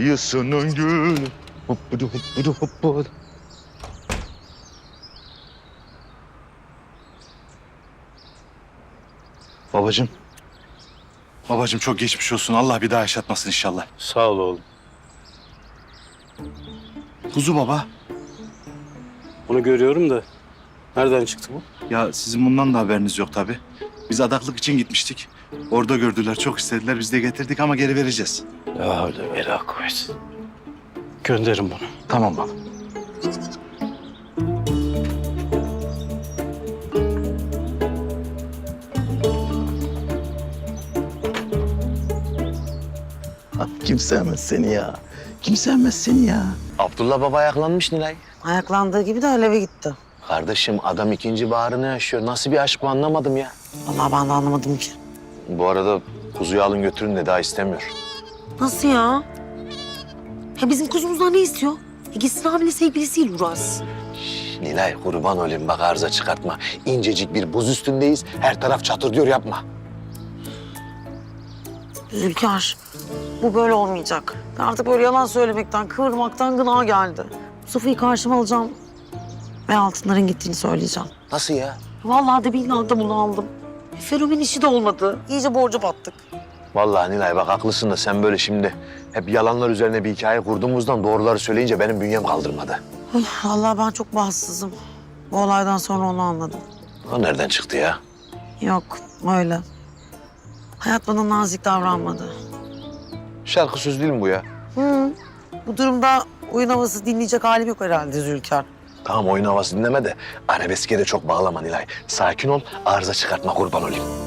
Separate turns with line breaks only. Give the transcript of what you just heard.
kıyısının gülü. Hoppudu hoppudu hoppudu. Babacığım. Babacığım çok geçmiş olsun. Allah bir daha yaşatmasın inşallah.
Sağ ol oğlum.
Kuzu baba.
Onu görüyorum da nereden çıktı bu?
Ya sizin bundan da haberiniz yok tabii. Biz adaklık için gitmiştik. Orada gördüler, çok istediler. Biz de getirdik ama geri vereceğiz.
Ya öyle vela kuvvet. Gönderin bunu.
Tamam baba. Kim sevmez seni ya? Kim sevmez seni ya?
Abdullah baba ayaklanmış Nilay.
Ayaklandığı gibi de eve gitti.
Kardeşim adam ikinci baharını yaşıyor. Nasıl bir aşk bu anlamadım ya.
Vallahi ben de anlamadım ki.
Bu arada kuzuyu alın götürün de daha istemiyor.
Nasıl ya? Ya bizim kuzumuzdan ne istiyor? Gitsin abinin sevgilisiyle uğraşsın.
Nilay kurban olayım bak arıza çıkartma. İncecik bir buz üstündeyiz. Her taraf çatır diyor yapma.
Zülkar, bu böyle olmayacak. Artık böyle yalan söylemekten, kıvırmaktan gına geldi. Sofya'yı karşıma alacağım ve altınların gittiğini söyleyeceğim.
Nasıl ya?
Vallahi de billahi de bunu aldım. Ferumin işi de olmadı. İyice borca battık.
Vallahi Nilay bak haklısın da sen böyle şimdi hep yalanlar üzerine bir hikaye kurduğumuzdan doğruları söyleyince benim bünyem kaldırmadı.
Vallahi ben çok bahtsızım. Bu olaydan sonra onu anladım.
O nereden çıktı ya?
Yok, öyle. Hayat bana nazik davranmadı.
Şarkı söz değil mi bu ya?
Hı. Bu durumda oyun havası dinleyecek halim yok herhalde Zülkar.
Tamam oyun havası dinleme de arabeske de çok bağlama Nilay. Sakin ol arıza çıkartma kurban olayım.